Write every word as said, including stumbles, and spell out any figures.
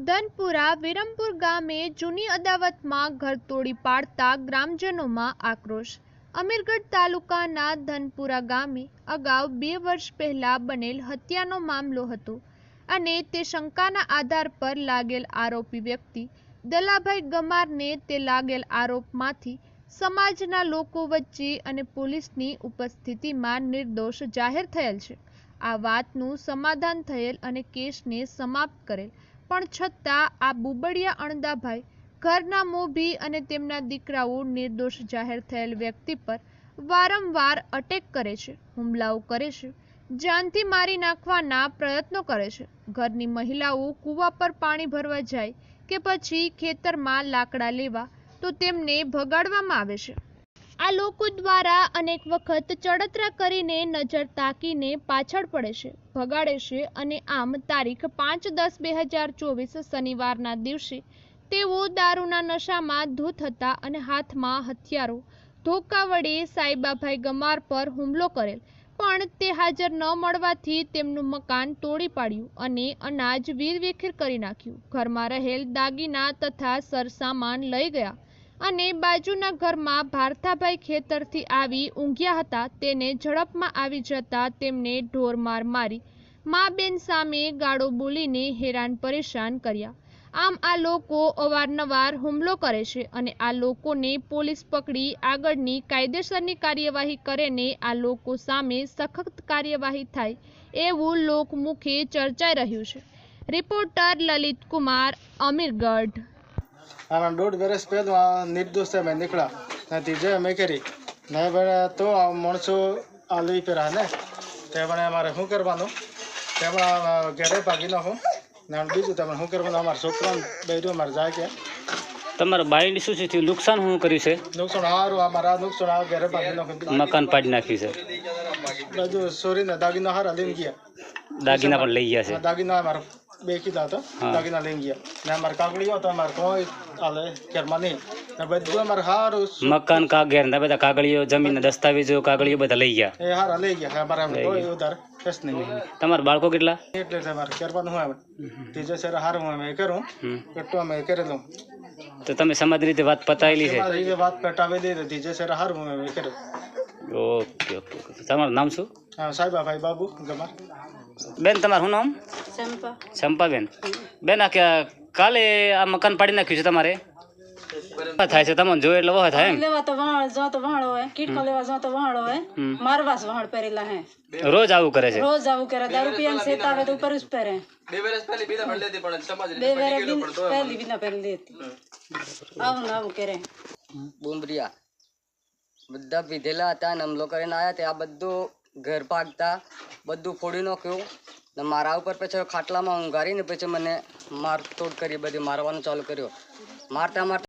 ધનપુરા વિરમપુર ગામે જૂની અદાવતમાં ઘર તોડી પાડતા ગ્રામજનોમાં આક્રોશ। અમીરગઢ તાલુકાના ધનપુરા ગામે અગાઉ બે વર્ષ પહેલા બનેલ હત્યાનો મામલો હતો અને તે શંકાના આધાર પર લાગેલ આરોપી વ્યક્તિ દલાભાઈ ગમારને તે લાગેલ આરોપમાંથી સમાજના લોકો વચ્ચે અને પોલીસની ઉપસ્થિતિમાં નિર્દોષ જાહેર થયેલ છે। આ વાતનું સમાધાન થયેલ અને કેસને સમાપ્ત કરેલ, પણ છતાં આ બુબડિયા અણદાભાઈ ઘરના મોભી અને તેમના દીકરાઓ નિર્દોષ જાહેર થયેલ વ્યક્તિ પર વારંવાર અટેક કરે છે, હુમલાઓ કરે છે, જાનથી મારી નાખવાના પ્રયત્નો કરે છે। ઘરની મહિલાઓ કૂવા પર પાણી ભરવા જાય કે પછી ખેતરમાં લાકડા લેવા તો તેમને ભગાડવામાં આવે છે। આ લોકો દ્વારા અનેક વખત ચડતરા કરીને નજર તાકીને પાછળ પડે છે, ભગાડે છે અને આમ તારીખ પાંચ દસ બે હજાર ચોવીસ શનિવારના દિવસે તેઓ દારૂના નશામાં ધૂત હતા અને હાથમાં હથિયારો ધોકા વડે સાઈબાભાઈ ગમાર પર હુમલો કરેલ, પણ તે હાજર ન મળવાથી તેમનું મકાન તોડી પાડ્યું અને અનાજ વીરવિખેર કરી નાખ્યું। ઘરમાં રહેલ દાગીના તથા સરસામાન લઈ ગયા અને બાજુના ઘરમાં ભારતાભાઈ ખેતરથી આવી ઊંઘ્યા હતા તેને ઝડપમાં આવી જતા તેમને ઢોરમાર મારી મા બેન સામે ગાળો બોલીને હેરાન પરેશાન કર્યા। આમ આ લોકો અવારનવાર હુમલો કરે છે અને આ લોકોને પોલીસ પકડી આગળની કાયદેસરની કાર્યવાહી કરે ને આ લોકો સામે સખત કાર્યવાહી થાય એવું લોકમુખે ચર્ચાઈ રહ્યું છે। રિપોર્ટર લલિત કુમાર, અમીરગઢ। આના દોઢ વર્ષ પહેલાં નિર્દોષ મેં નીકળ્યા નથી જે મેં કરી ને બને તો માણસો આ લઈ પહેરા ને તે બને અમારે શું કરવાનું તે પણ ઘરે ભાગી નાખું ને બીજું તમે શું કરવાનું અમારા છોકરાને બેર્યું અમારે જાય કે તમારા બાઈની શું છે નુકસાન શું કર્યું છે? નુકસાન સારું અમારા નુકસાન આ ઘરે ભાગી નાખું, મકાન પાડી નાખ્યું છે, બધું સોરીને દાગીના હારા લઈને ગયા, દાગીના પણ લઈ ગયા છે, દાગીના અમારા બે કીધા હતા, દાગીના લઈને ગયા ને અમારે કાગળીઓ તો અમારે કોઈ હાલે ઘરમાં નહીં ને બધું અમારે સારું મકાન કાગળ ને બધા કાગળીઓ જમીન દસ્તાવેજો કાગળીઓ બધા લઈ ગયા, એ હારા લઈ ગયા અમારે કોઈ ઉધાર કશ નહીં। તમારા બાળકો કેટલા? એટલે તમારે કરવાનું હું આવે ત્રીજો સર હારું હું અમે કરું એટલું અમે કરેલું તો તમે સમાજ રીતે વાત પતાવેલી છે? વાત પટાવેલી હતી જે સર હારું હું અમે કર્યું। ઓકે ઓકે તમારું નામ શું? હા, સાહેબાભાઈ બાબુ ગમાર। બેન તમારું શું નામ? ચંપા। ચંપા બેન, બેન આ કાલે આ મકાન પાડી નાખ્યું છે તમારે થાય છે? તમને જોયું એટલે વહ થાય એમ? લેવા તો વહાળ જો તો વહાળો હોય, કીટકો લેવા જો તો વહાળો હોય, મારવાસ વહાળ પહેરેલા હે, રોજ આવું કરે છે? રોજ આવું કરે, દારૂ પીને સેતા આવે તો ઉપર જ પહેરે। બે વર્ષ પહેલી બીના ભણ લેતી પણ સમાજ બે વર્ષ પહેલી બીના પહેરી લેતી, આવું ને આવું કરે। બુમરિયા બધા પીધેલા હતા ને હમલો કરીને આવ્યા તે આ બધું ઘર ભાગતા બધું ફોડી નાખ્યું ને મારા ઉપર પછી ખાટલામાં ઊંઘારીને પછી મને મારતોડ કરી, બધી મારવાનું ચાલુ કર્યું। મારતા મારતા